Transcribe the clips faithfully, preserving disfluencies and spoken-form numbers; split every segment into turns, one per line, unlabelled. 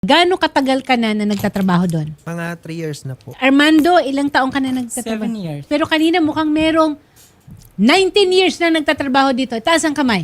Gaano katagal ka na na nagtatrabaho doon?
Mga three years na po.
Armando, ilang taong ka na nagtatrabaho?
Seven years.
Pero kanina mukhang merong nineteen years na nagtatrabaho dito. Taas ang kamay.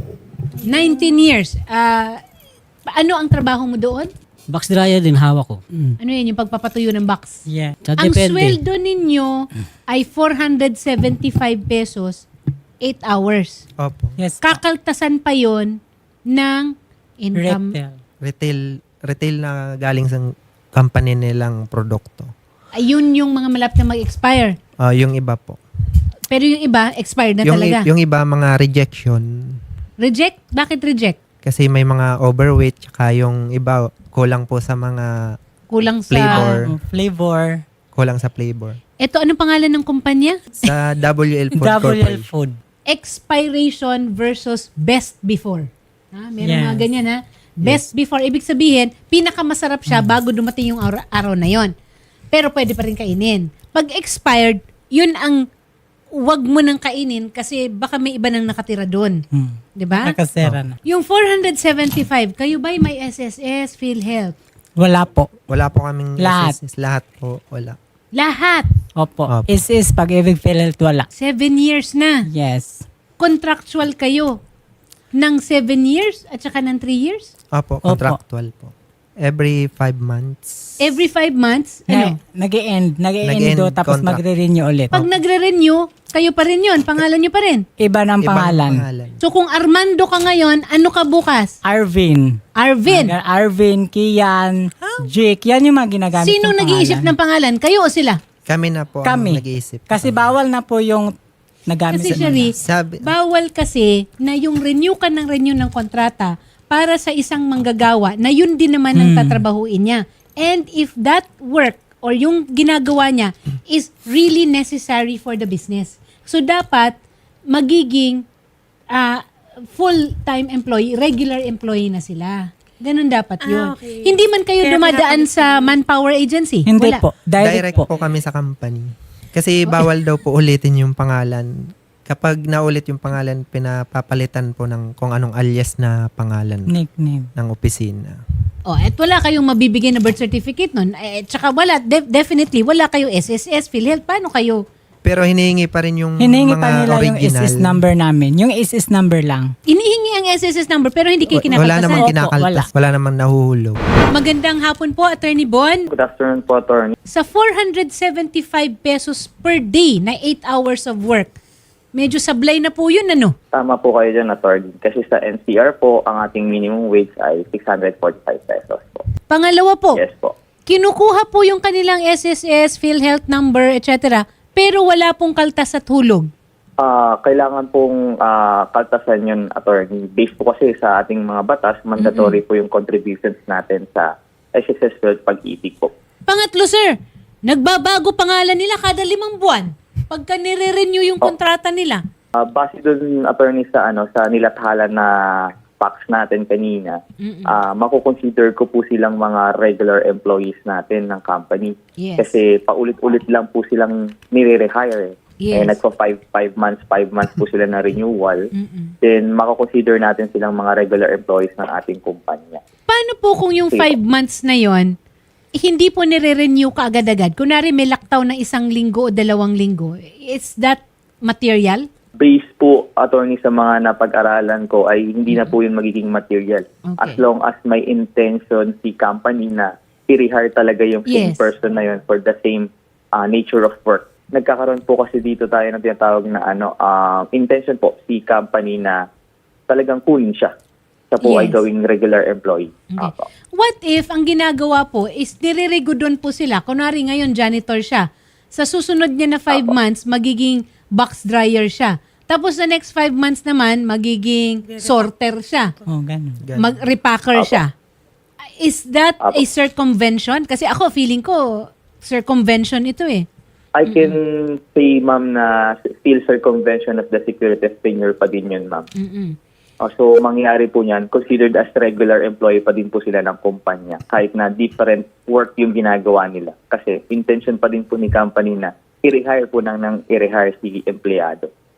nineteen years. Ah, ano ang trabaho mo doon?
Box dryer din hawak ko.
Ano yun, yung pagpapatuyo ng box?
Yeah.
So,
Ang
depende.
sweldo ninyo ay four hundred seventy-five pesos, eight hours.
Opo.
Yes.
Kakaltasan pa yon ng income.
Retail.
Retail, retail na galing sa company nilang produkto.
Ayun yung mga malapit na mag-expire.
Ah, yung iba po.
Pero yung iba, expired na
yung,
talaga.
i- yung iba mga rejection
Reject? Bakit reject?
kasi may mga overweight tsaka yung iba kulang po sa mga
Kulang sa...
Flavor.
Um, flavor.
kulang sa flavor.
Ito, anong pangalan ng kumpanya?
Sa W L Food
W L
Corporation.
Food.
Expiration versus best before. Ha? Meron
Yes.
mga ganyan ha. Best before, ibig sabihin, pinakamasarap siya bago dumating yung araw, araw na yon. Pero pwede pa rin kainin. Pag expired, yun ang wag mo nang kainin kasi baka may iba nang nakatira doon.
Hmm.
'Di ba?
Nakasera na.
Yung four hundred seventy-five, kayo ba'y may S S S, PhilHealth?
Wala po.
Wala po kaming
Lahat.
S S S. Lahat po. Wala.
Lahat.
Opo.
Opo.
Is-is pag-ibig PhilHealth wala.
Seven years na.
Yes.
Contractual kayo ng seven years at saka ng three years?
Opo,
Opo.
contractual po. Every five months.
Every five months, ano?
Na, nag-e-end. Nag-e-end
Nag-e-end
do tapos
contract.
magre-renew ulit.
Pag nagre-renew, kayo pa rin yun. Pangalan nyo pa rin.
Iba ng
Ibang
pangalan.
pangalan.
So kung Armando ka ngayon, ano ka bukas?
Arvin.
Arvin.
Aga- Arvin, Kian, Jake. Yan yung mga ginagamit
Sino
ng
nag-iisip
pangalan.
ng pangalan? Kayo o sila?
Kami na po
Kami.
ang nag-iisip.
Kasi bawal na po yung nagamit
Kasi
sa
Sherry,
Sabi,
bawal kasi na yung renew ka ng renew ng kontrata para sa isang manggagawa na yun din naman ang
Hmm.
tatrabahuin niya. And if that work or yung ginagawa niya is really necessary for the business. So dapat magiging ah, full-time employee, regular employee na sila. Ganun dapat yun. Hindi man kayo dumadaan sa manpower agency?
Hindi
Wala.
po. Direct,
direct
po.
po kami sa company. Kasi bawal daw po ulitin yung pangalan. Kapag naulit yung pangalan, pinapapalitan po ng kung anong alias na pangalan
Nickname.
ng opisina.
Oh, at wala kayong mabibigyan na birth certificate nun. Eh, tsaka wala, de- definitely, wala kayo S S S, PhilHealth. Paano kayo?
Pero hinihingi pa rin yung
Hinihingi
mga
pa nila yung
original.
S S number namin. Yung S S number lang.
Inihingi ang S S S number pero hindi kayo
Wala namang
kinakaltasan.
Opo,
kinakaltas, wala. namang nahuhulog.
Magandang hapon po, Attorney Bon.
Good afternoon po, attorney.
Sa four hundred seventy-five pesos per day na eight hours of work, medyo sablay na po yun, ano?
Tama po kayo dyan, attorney. Kasi sa N C R po, ang ating minimum wage ay six hundred forty-five pesos po.
Pangalawa po,
Yes po.
kinukuha po yung kanilang S S S, PhilHealth number, et cetera. Pero wala pong kaltas at hulog.
Ah, kailangan pong ah, kaltasan yun, attorney. Based po kasi sa ating mga batas, mandatory po yung contributions natin sa S S S World Pag-ibig po.
Pangatlo, sir, nagbabago pangalan nila kada limang buwan. Pagka nire-renew yung kontrata nila.
Ah, base dun, attorney, sa ano sa nilathala na facts natin kanina, ah makukonsider ko po silang mga regular employees natin ng company.
Yes.
Kasi paulit-ulit lang po silang nire-rehire. Eh.
Yes.
Eh, nagpa five, five months, five months po sila na renewal.
Mm-mm.
Then makukonsider natin silang mga regular employees ng ating kumpanya.
Paano po kung yung five months na yon hindi po nire-renew ka agad-agad? Kunwari may laktaw na isang linggo o dalawang linggo. Is that material?
Based po, attorney, sa mga napag-aralan ko ay hindi na po yun magiging material.
Okay.
As long as may intention si company na i-rehire talaga yung same
Yes.
person na yun for the same uh, nature of work. Nagkakaroon po kasi dito tayo ng tinatawag na ano, uh, intention po si company na talagang kunin siya. Siya po ay
Yes.
gawing regular employee.
Okay.
Apo.
What if ang ginagawa po is nire-regodon po sila? Kunwari ngayon janitor siya. Sa susunod niya na five months, magiging box dryer siya. Tapos the next five months naman, magiging sorter siya.
Oh, ganun.
Ganun.
Mag-repacker
Apo.
siya. Is that
Apo.
a circumvention? Kasi ako, feeling ko, circumvention ito eh.
I can say, ma'am, na still circumvention of the security of tenure pa din yun, ma'am.
Mm-mm.
Uh, so, mangyayari po niyan, considered as regular employee pa din po sila ng kumpanya. Kahit na different work yung ginagawa nila. Kasi intention pa din po ni company na i-rehire po nang, nang i-rehire si empleyado.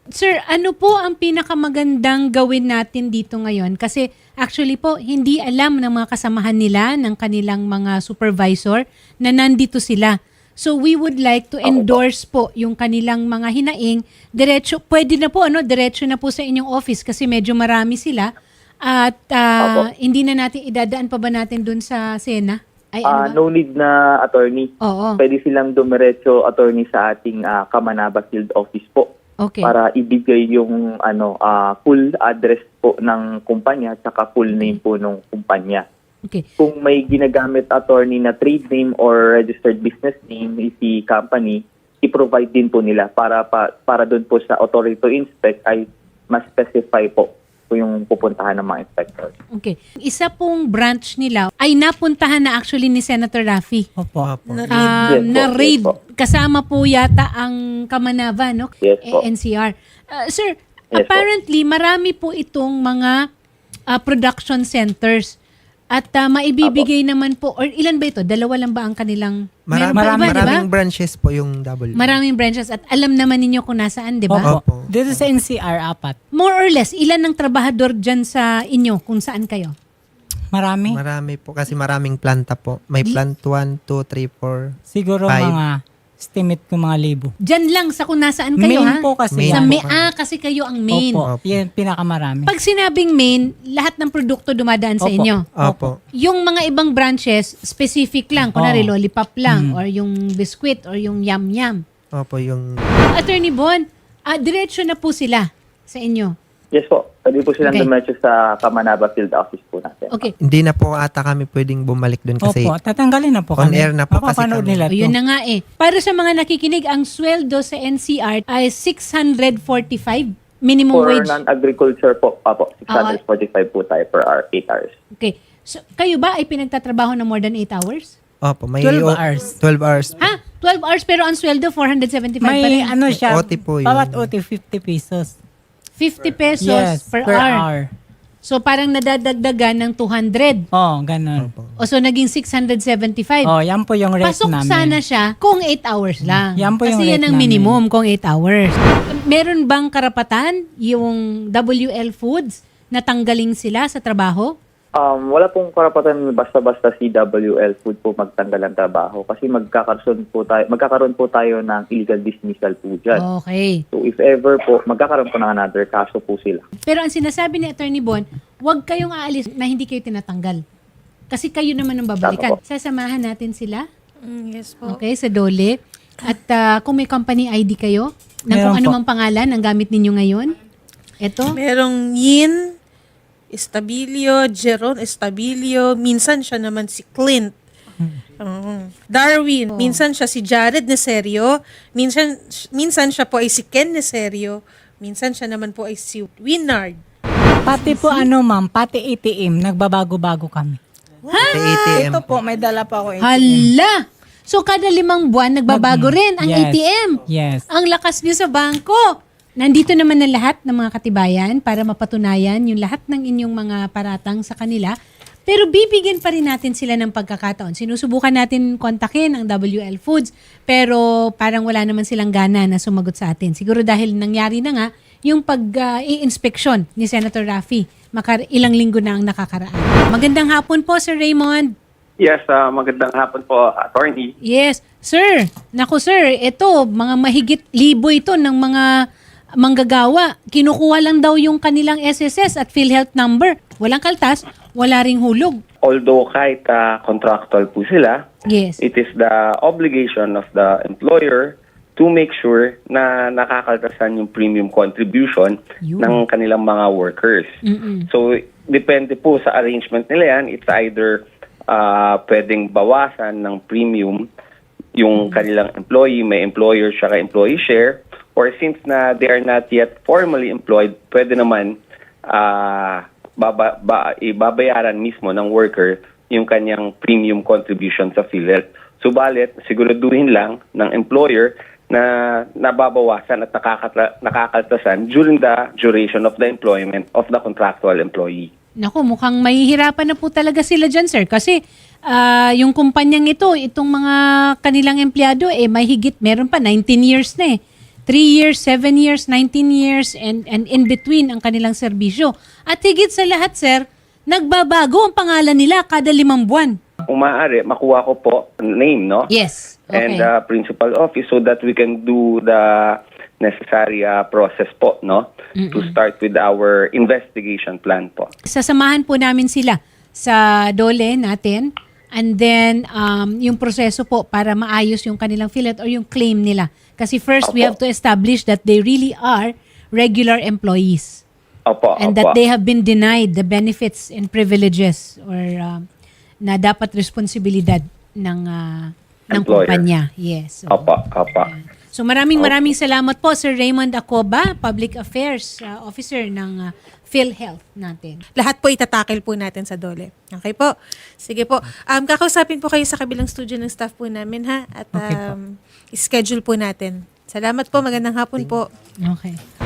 Sir, ano po ang pinakamagandang gawin natin dito ngayon? Kasi actually po, hindi alam ng mga kasamahan nila, ng kanilang mga supervisor na nandito sila. So we would like to endorse po yung kanilang mga hinaing. Diretso, pwede na po, ano, diretso na po sa inyong office kasi medyo marami sila. At ah, hindi na natin, idadaan pa ba natin dun sa Sena? Ay,
Ah,
ano ba?
no need na attorney.
Oo.
Pwede silang dumiretso attorney sa ating ah, Kamanaba Field Office po.
Okay.
Para ibigay yung ano ah, full address po ng kumpanya at saka full name po ng kumpanya.
Okay.
Kung may ginagamit attorney na trade name or registered business name si company, i-provide din po nila para pa, para doon po sa authority to inspect ay mas specify po po yung pupuntahan ng mga inspectors.
Okay. Isa pong branch nila ay napuntahan na actually ni Senator Raffy.
Opo.
Opo.
Um,
Yes po,
na
yes
raid.
po.
Kasama po yata ang Kamanava, no?
Yes po.
Eh, N C R. Uh, sir,
Yes
apparently marami po itong mga uh, production centers. At uh, maibibigay naman po, or ilan ba ito? Dalawa lang ba ang kanilang...
Mara-
Meron pa
marami,
iba, di ba?
maraming branches po yung double.
Maraming branches at alam naman ninyo kung nasaan, di ba?
Opo.
Opo.
Dito sa N C R, apat.
More or less, ilan ang trabahador dyan sa inyo kung saan kayo?
Marami.
Marami po kasi maraming planta po. May plant one, two, three, four.
Siguro
Five.
mga estimate ko mga libo.
Dyan lang sa kung nasaan kayo,
Main
ha?
po kasi
Main
Sa
yan.
may, ah, kasi kayo ang main.
Opo. Yan pinakamarami.
Pag sinabing main, lahat ng produkto dumadaan sa
Opo.
inyo.
Opo.
Yung mga ibang branches, specific lang. Kunwari,
Oo.
lollipop lang,
Mm.
or yung biscuit, or yung yam-yam.
Opo, yung...
Attorney Bon, ah, diretso na po sila sa inyo.
Yes po. Pwede po silang
Okay.
dumiretso sa Kamanaba Field Office po natin.
Okay.
Hindi na po ata kami pwedeng bumalik doon kasi
Opo, tatanggalin na po
on
kami.
air na po kasi
Mapapanood
kami.
nila
O
to.
yun na nga eh. Para sa mga nakikinig, ang sweldo sa N C R ay six hundred forty-five minimum
For
wage.
non-agriculture po, apo, six hundred forty-five po tayo per hour, eight hours.
Okay. So, kayo ba ay pinagtatrabaho na more than eight hours?
Opo, may
twelve
o-
hours.
twelve hours.
Ha? twelve hours pero ang sweldo four hundred seventy-five pa
May
rin.
ano siya,
O T po yun.
bawat O T fifty pesos.
fifty pesos
Yes,
per,
per
hour.
hour.
So parang nadadagdagan ng two hundred.
Oh, ganun.
O so naging six hundred seventy-five.
Oh, yan po yung rate
Pasok
namin.
sana siya kung eight hours lang.
Yan po
Kasi
yung
yan
rate
ang
namin.
minimum kung eight hours. Meron bang karapatan yung W L Foods na tanggaling sila sa trabaho?
Um, wala pong karapatan basta-basta si W L Food po magtanggal ng trabaho kasi magkakaroon po tayo, magkakaroon po tayo ng illegal dismissal po dyan.
Okay.
So if ever po, magkakaroon po ng another kaso po sila.
Pero ang sinasabi ni Attorney Bon, huwag kayong aalis na hindi kayo tinatanggal. Kasi kayo naman ang babalikan.
Tama po.
Sasamahan natin sila,
Mm, yes po.
okay, sa Dole. At ah, kung may company I D kayo, ng kung
Meron
ano
po.
mang pangalan ang gamit ninyo ngayon, eto.
Merong Yin Estabilio, Jeron Estabilio, minsan siya naman si Clint. Oo. Darwin, minsan siya si Jared Neserio, minsan minsan siya po ay si Ken Neserio, minsan siya naman po ay si Winard.
Pati po ano ma'am, pati A T M, nagbabago-bago kami.
Sa A T M
Ito
po.
po, may dala pa ako A T M.
Hala! So kada limang buwan nagbabago rin ang
Yes.
A T M.
Yes.
Ang lakas niyo sa bangko. Nandito naman ang lahat ng mga katibayan para mapatunayan yung lahat ng inyong mga paratang sa kanila. Pero bibigyan pa rin natin sila ng pagkakataon. Sinusubukan natin kontakin ang W L Foods pero parang wala naman silang gana na sumagot sa atin. Siguro dahil nangyari na nga yung pag-i-inspection ni Senator Raffy. Makar ilang linggo na ang nakakaraan. Magandang hapon po, Sir Raymond.
Yes, ah, magandang hapon po, attorney.
Yes. Sir, naku sir, ito, mga mahigit libo ito ng mga manggagawa. Kinukuha lang daw yung kanilang S S S at PhilHealth number. Walang kaltas, wala ring hulog.
Although kahit ah, contractual po sila,
Yes.
it is the obligation of the employer to make sure na nakakaltasan yung premium contribution
Yun.
ng kanilang mga workers.
Mm-mm.
So, depende po sa arrangement nila yan. It's either ah, pwedeng bawasan ng premium yung kanilang employee, may employer siya employee share, or since na they are not yet formally employed, pwede naman ah, baba, ba, ibabayaran mismo ng worker yung kanyang premium contribution sa PhilHealth. Subalit, siguraduhin lang ng employer na nababawasan at nakakata- nakakaltasan during the duration of the employment of the contractual employee.
Naku, mukhang mahihirapan na po talaga sila dyan, sir. Kasi ah, yung kumpanyang ito, itong mga kanilang empleyado, eh, may higit, meron pa, nineteen years na eh. three years, seven years, nineteen years, and, and in between ang kanilang serbisyo. At higit sa lahat, sir, nagbabago ang pangalan nila kada limang buwan.
Kung maaari, makuha ko po name, no?
Yes. Okay.
And uh, principal office so that we can do the necessary uh, process po, no? To start with our investigation plan po.
Sasamahan po namin sila sa dole natin, and then um, yung proseso po para maayos yung kanilang filet or yung claim nila. Kasi first, we
Opo.
have to establish that they really are regular employees.
Opo,
And
opo.
that they have been denied the benefits and privileges or um, na dapat responsibilidad ng uh, ng
Employer.
kumpanya. Yes. So,
Opo, opo.
so maraming maraming salamat po Sir Raymond Acoba, Public Affairs uh, Officer ng uh, PhilHealth natin.
Lahat po itatakil po natin sa dole. Okay po? Sige po. Um, kakausapin po kayo sa kabilang studio ng staff po namin, ha? At
Okay po.
um, schedule po natin. Salamat po. Magandang hapon po.
Okay.